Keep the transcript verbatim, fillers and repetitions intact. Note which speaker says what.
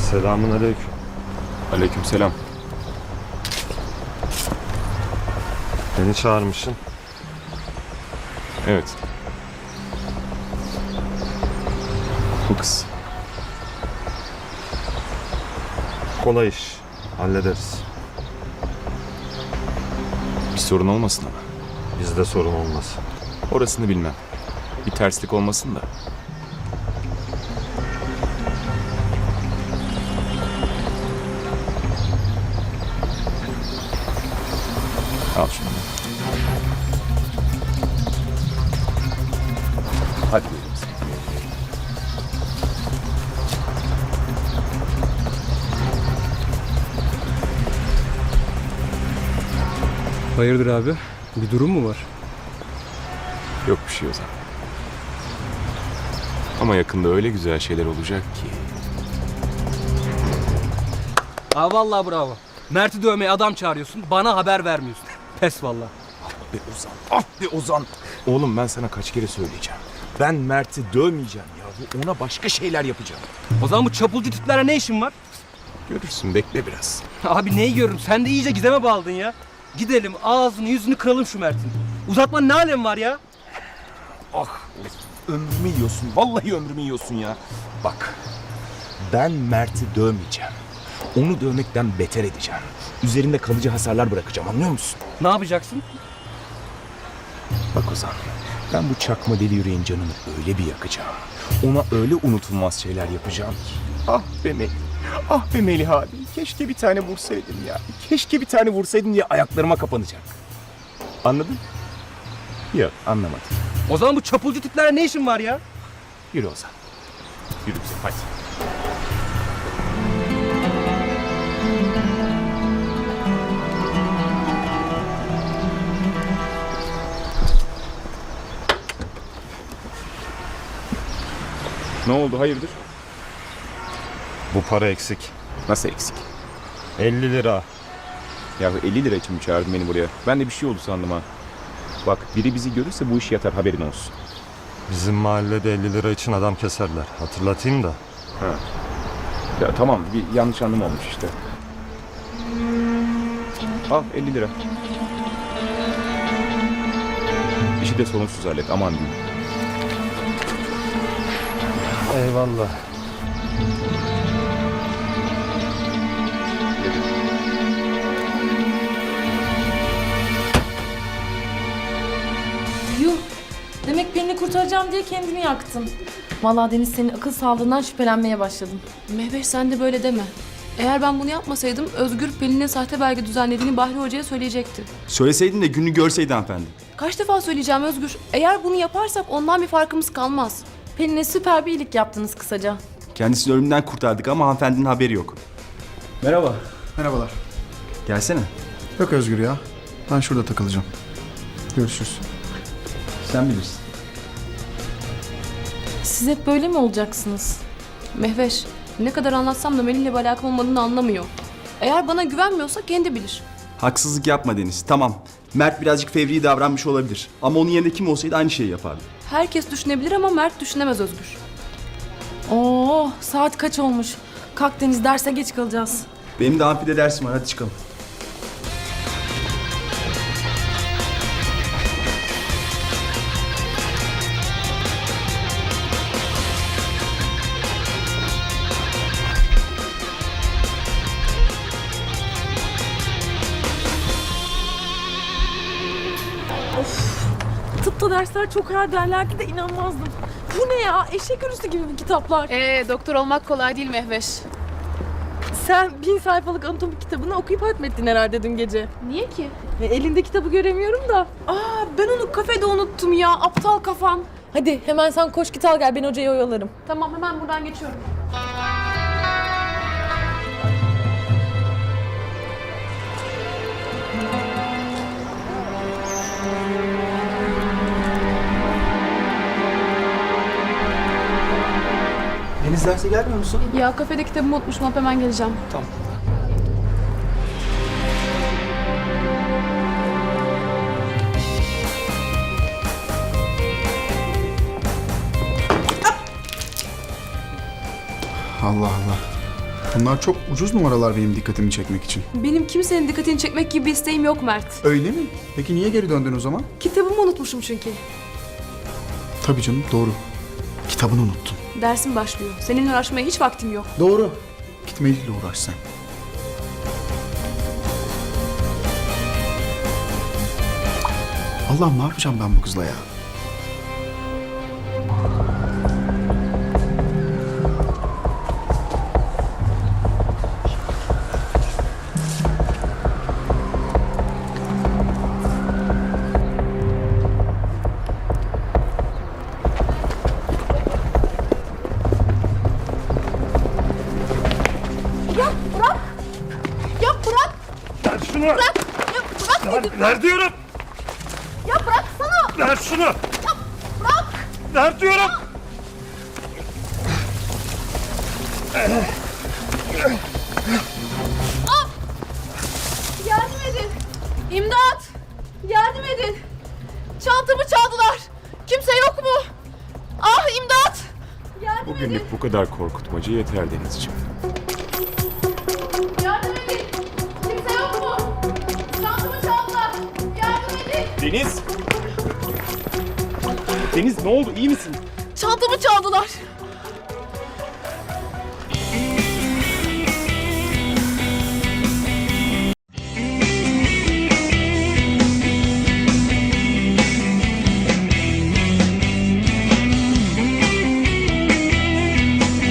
Speaker 1: Selamünaleyküm.
Speaker 2: Aleykümselam.
Speaker 1: Beni çağırmışsın.
Speaker 2: Evet. Bu kız.
Speaker 1: Kolay iş. Hallederiz.
Speaker 2: Bir sorun olmasın ama.
Speaker 1: Bizde sorun olmaz.
Speaker 2: Orasını bilmem. Bir terslik olmasın da. Al şunu. Hadi buyurun.
Speaker 3: Hayırdır abi? Bir durum mu var?
Speaker 2: Yok bir şey Ozan. Ama yakında öyle güzel şeyler olacak ki.
Speaker 3: Aa vallahi bravo. Mert'i dövmeye adam çağırıyorsun, bana haber vermiyorsun. Pes vallahi.
Speaker 2: Be Ozan, ah be Ozan. Oğlum ben sana kaç kere söyleyeceğim. Ben Mert'i dövmeyeceğim ya. Ona başka şeyler yapacağım.
Speaker 3: O zaman bu çapulcu tiplerle ne işin var?
Speaker 2: Görürsün, bekle biraz.
Speaker 3: Abi neyi görürüm? Sen de iyice gizeme bağladın ya. Gidelim ağzını yüzünü kıralım şu Mert'in. Uzatmanın ne alemi var ya?
Speaker 2: Ah, ömrümü yiyorsun. Vallahi ömrümü yiyorsun ya. Bak, ben Mert'i dövmeyeceğim. Onu dövmekten beter edeceğim. Üzerinde kalıcı hasarlar bırakacağım, anlıyor musun?
Speaker 3: Ne yapacaksın?
Speaker 2: Bak Ozan, ben bu çakma deli yüreğin canını öyle bir yakacağım. Ona öyle unutulmaz şeyler yapacağım ki. Ah be Melih, ah be Melih abi. Keşke bir tane vursaydın ya. Keşke bir tane vursaydın diye ayaklarıma kapanacak. Anladın? Yok, anlamadım.
Speaker 3: O zaman bu çapulcu tiplerle ne işin var ya?
Speaker 2: Yürü Ozan. Yürü bize, hadi. Ne oldu, hayırdır?
Speaker 1: Bu para eksik.
Speaker 2: Nasıl eksik?
Speaker 1: elli lira.
Speaker 2: Ya elli lira için mi çağırdın beni buraya? Ben de bir şey oldu sandım ha. Bak, biri bizi görürse bu iş yatar, haberin olsun.
Speaker 1: Bizim mahallede elli lira için adam keserler. Hatırlatayım da.
Speaker 2: Ha. Ya tamam, bir yanlış anlama olmuş işte. Al elli lira. İşi de sorunsuz hallet, aman diyeyim.
Speaker 1: Eyvallah.
Speaker 4: Yuh! Demek Pelin'i kurtaracağım diye kendimi yaktın. Vallahi Deniz senin akıl sağlığından şüphelenmeye başladım.
Speaker 5: Mehveş sen de böyle deme. Eğer ben bunu yapmasaydım Özgür Pelin'e sahte belge düzenlediğini Bahri Hoca'ya söyleyecekti.
Speaker 6: Söyleseydin de gününü görseydi hanımefendi.
Speaker 5: Kaç defa söyleyeceğim Özgür? Eğer bunu yaparsak ondan bir farkımız kalmaz.
Speaker 4: Pelin'e süper bir iyilik yaptınız kısaca.
Speaker 6: Kendisini ölümden kurtardık ama hanımefendinin haberi yok. Merhaba.
Speaker 7: Merhabalar.
Speaker 6: Gelsene.
Speaker 7: Yok Özgür ya. Ben şurada takılacağım. Görüşürüz.
Speaker 6: Sen bilirsin.
Speaker 4: Siz hep böyle mi olacaksınız?
Speaker 5: Mehveş ne kadar anlatsam da Melih'le bir alakam olmadığını anlamıyor. Eğer bana güvenmiyorsa kendi bilir.
Speaker 6: Haksızlık yapma Deniz. Tamam. Mert birazcık fevri davranmış olabilir. Ama onun yerinde kim olsaydı aynı şeyi yapardı.
Speaker 5: Herkes düşünebilir ama Mert düşünemez Özgür.
Speaker 4: Oo, saat kaç olmuş? Kalk Deniz, derse geç kalacağız.
Speaker 6: Benim de amfide dersim var. Hadi çıkalım.
Speaker 4: Tıpta dersler çok ağır derlerdi de inanmazdım. Bu ne ya? Eşek ölüsü gibi bu kitaplar.
Speaker 5: Ee, doktor olmak kolay değil Mehveş.
Speaker 4: Sen bin sayfalık anatomi kitabını okuyup hatmettin herhalde dün gece.
Speaker 5: Niye ki?
Speaker 4: E, elinde kitabı göremiyorum da.
Speaker 5: Aa, ben onu kafede unuttum ya, aptal kafam.
Speaker 4: Hadi hemen sen koş git al gel, ben hocayı oyalarım.
Speaker 5: Tamam, hemen buradan geçiyorum.
Speaker 6: Deniz derse gelmiyor musun?
Speaker 5: Ya kafede kitabımı unutmuşum, hop hemen geleceğim.
Speaker 6: Tamam.
Speaker 7: Allah Allah. Bunlar çok ucuz numaralar benim dikkatimi çekmek için.
Speaker 5: Benim kimsenin dikkatini çekmek gibi bir isteğim yok Mert.
Speaker 7: Öyle mi? Peki niye geri döndün o zaman?
Speaker 5: Kitabımı unutmuşum çünkü.
Speaker 7: Tabii canım, doğru. Kitabını unuttun.
Speaker 5: Dersim başlıyor. Seninle uğraşmaya hiç vaktim yok.
Speaker 7: Doğru. Git Melih'le uğraş sen. Allah'ım ne yapacağım ben bu kızla ya?
Speaker 1: Ver şunu! Bırak! Ya bırak dedim! Ver diyorum!
Speaker 4: Ya bıraksana!
Speaker 1: Ver şunu! Ya
Speaker 4: Bırak!
Speaker 1: ver diyorum!
Speaker 4: Yardım edin! İmdat! Yardım edin! Çantamı çaldılar! Kimse yok mu? Ah imdat! Yardım edin!
Speaker 2: Bugünlük bu kadar korkutmacı yeter Denizciğim.
Speaker 4: Yardım edin! Kimse yok mu? Çantamı çaldılar! Yardım edin!
Speaker 2: Deniz! Deniz ne oldu, iyi misin?
Speaker 4: Çantamı çaldılar!